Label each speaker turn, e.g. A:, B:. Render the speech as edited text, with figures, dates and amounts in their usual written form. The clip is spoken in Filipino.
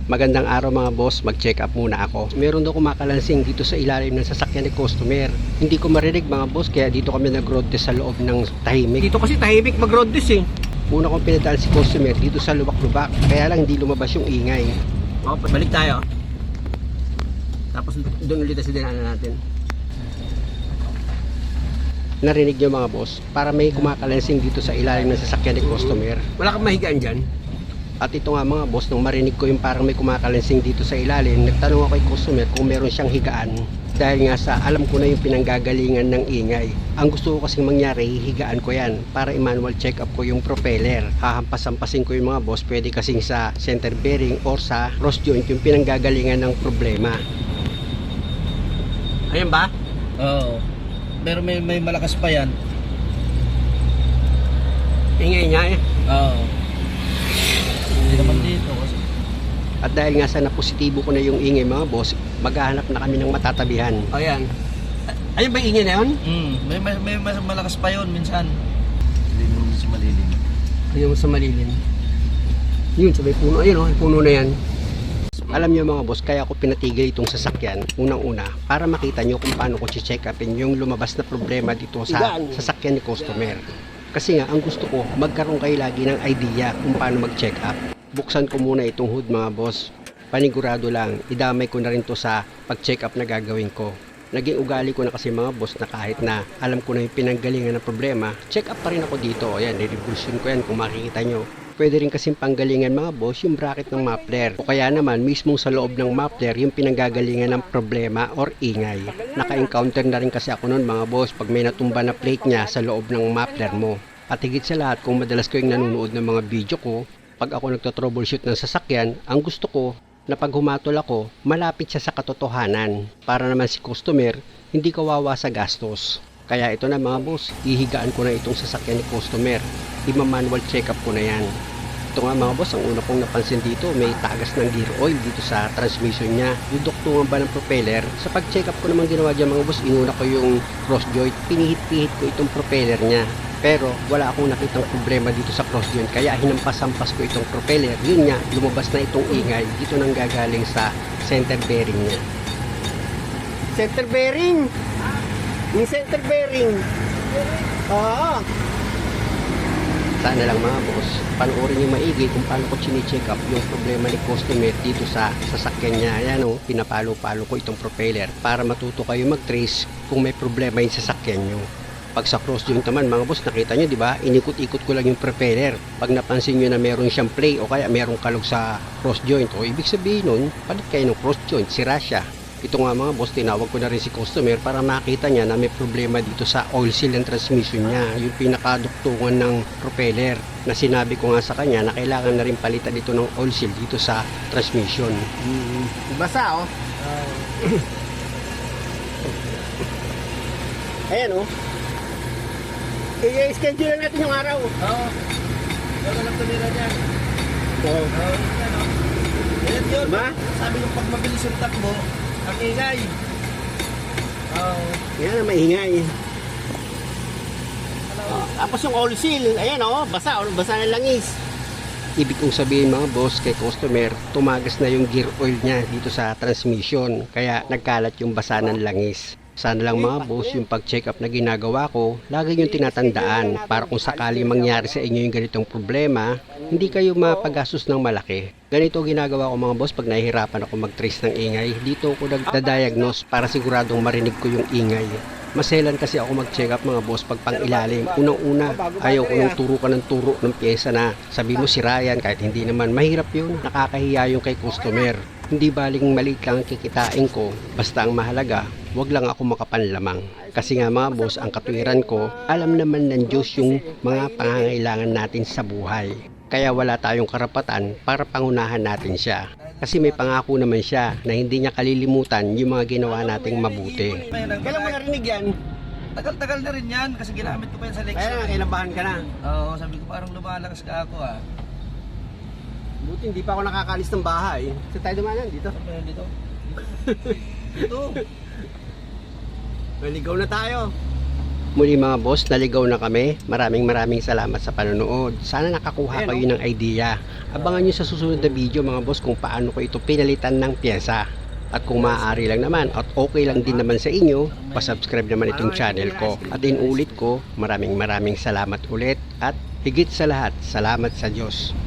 A: Magandang araw mga boss, mag-check up muna ako. Meron daw kumakalansing dito sa ilalim ng sasakyan ni customer. Hindi ko marinig mga boss, kaya dito kami nag-road test sa loob ng tahimik. Dito kasi tahimik mag-road test eh. Una kong pinadaan si customer dito sa lubak-lubak, kaya lang hindi lumabas yung ingay. Balik tayo. Tapos doon ulit sa dinaanan natin. Narinig nyo mga boss, para may kumakalansing dito sa ilalim ng sasakyan ni customer. Wala kang mahigaan dyan. At ito nga mga boss, nung marinig ko yung parang may kumakalansing dito sa ilalim, nagtanong ako kay customer kung meron siyang higaan. Dahil nga sa alam ko na yung pinanggagalingan ng ingay. Ang gusto ko kasing mangyari, hihigaan ko yan para i-manual check up ko yung propeller. Hahampas-hampasin ko yung mga boss, pwede kasing sa center bearing or sa cross joint yung pinanggagalingan ng problema. Ayan ba?
B: Oo. Pero may malakas pa yan.
A: Ingay niya eh.
B: Oo. Hindi naman dito kasi.
A: At dahil nga sa napositibo ko na yung ingay mga boss, maghahanap na kami ng matatabihan. Ayan. Ayun ba yung ingay na yun?
B: May malakas pa yun minsan. Hindi mo sa malilim.
A: Ayun sa malilim. Yun, sa may puno. Ayun oh, puno na yan. Alam niyo mga boss, kaya ako pinatigil itong sasakyan unang-una para makita nyo kung paano ko check upin yung lumabas na problema dito sa sasakyan ni customer. Kasi nga, ang gusto ko, magkaroon kayo lagi ng idea kung paano mag-check up. Buksan ko muna itong hood mga boss. Panigurado lang, idamay ko na rin to sa pag-check up na gagawin ko. Naging ugali ko na kasi mga boss na kahit na alam ko na yung pinanggalingan ng problema, check up pa rin ako dito. Ayan, nire-revolution ko yan kung makikita nyo. Pwede rin kasing panggalingan mga boss yung bracket ng muffler. O kaya naman mismo sa loob ng muffler yung pinanggagalingan ng problema or ingay. Naka-encounter na rin kasi ako noon mga boss pag may natumba na plate niya sa loob ng muffler mo. At higit sa lahat, kung madalas ko yung nanonood ng mga video ko, pag ako nagto-troubleshoot ng sasakyan, ang gusto ko na pag humatol ako, malapit siya sa katotohanan. Para naman si customer, hindi kawawa sa gastos. Kaya ito na mga boss, ihigaan ko na itong sasakyan ni customer. Ima-manual check up ko na yan. Ito nga mga boss, ang una kong napansin dito, may tagas ng gear oil dito sa transmission niya. Yung duktungan ba ng propeller? Sa pag-check up ko naman ginawa dyan mga boss, inuna ko yung cross joint, pinihit-pihit ko itong propeller niya. Pero wala akong nakitang problema dito sa cross joint, kaya hinampas-hampas ko itong propeller. Yun nga, lumabas na itong ingay, dito nang gagaling sa center bearing niya. Center bearing? Yung center bearing? Oo. Sana lang mga boss, panoorin niyo maigi kung paano ko chine-check up yung problema ni customer dito sa sasakyan niya. Ayan o, pinapalo-palo ko itong propeller para matuto kayo mag-trace kung may problema yung sasakyan nyo. Pag sa cross joint naman mga boss, nakita nyo diba, inikot-ikot ko lang yung propeller. Pag napansin nyo na meron siyang play o kaya merong kalog sa cross joint, o ibig sabihin nun, palit kayo ng cross joint, sira siya. Ito nga mga boss, tinawag ko na rin si customer para makita niya na may problema dito sa oil seal and transmission niya, yung pinakaduktungan ng propeller, na sinabi ko nga sa kanya na kailangan na rin palitan dito ng oil seal dito sa transmission. Basa oh. Ayan oh. I-schedule natin yung araw.
B: Oo. Wala lang tumira dyan.
A: Oo.
B: Ayan yun.
A: Diba?
B: Sabi nung pag mabilis yung takbo, ang ingay. Oo.
A: Yan ang maingay. Tapos yung oil seal, ayan o, basa na langis. Ibig kong sabihin mga boss, kay customer, tumagas na yung gear oil niya dito sa transmission, kaya nagkalat yung basa ng langis. Sana lang mga boss, yung pag-check up na ginagawa ko, lagi yung tinatandaan para kung sakali mangyari sa inyo yung ganitong problema, hindi kayo mapagastos ng malaki. Ganito ginagawa ko mga boss pag nahihirapan ako mag-trace ng ingay. Dito ako nagda-diagnose para siguradong marinig ko yung ingay. Maselan kasi ako mag-check up mga boss pag pang ilalim. Unang-una, ayaw ko nung turo ka ng turo ng pyesa na sabi mo si Ryan, kahit hindi naman mahirap yun. Nakakahiya yung kay customer. Hindi baling maliit lang ang kikitain ko, basta ang mahalaga, wag lang ako makapanlamang. Kasi nga mga boss, ang katwiran ko, alam naman ng Diyos yung mga pangangailangan natin sa buhay. Kaya wala tayong karapatan para pangunahan natin siya. Kasi may pangako naman siya na hindi niya kalilimutan yung mga ginawa nating mabuti. Kailan mo narinig yan?
B: Tagal-tagal na rin yan kasi ginamit ko pa yan sa lecture.
A: Kaya nga, kailabahan ka na.
B: Oo, sabi ko parang lumalakas ka ako ah.
A: Buti hindi pa ako nakakalis ng bahay. Saan tayo dumanan? Dito?
B: Saan dito? Dito.
A: Maligaw na tayo. Muli mga boss, naligaw na kami. Maraming salamat sa panonood. Sana nakakuha kayo ng idea. Abangan nyo sa susunod na video mga boss kung paano ko ito pinalitan ng pyesa. At kung maaari lang naman at okay lang din naman sa inyo, pasubscribe naman itong channel ko. At inulit ko, maraming salamat ulit at higit sa lahat, salamat sa Diyos.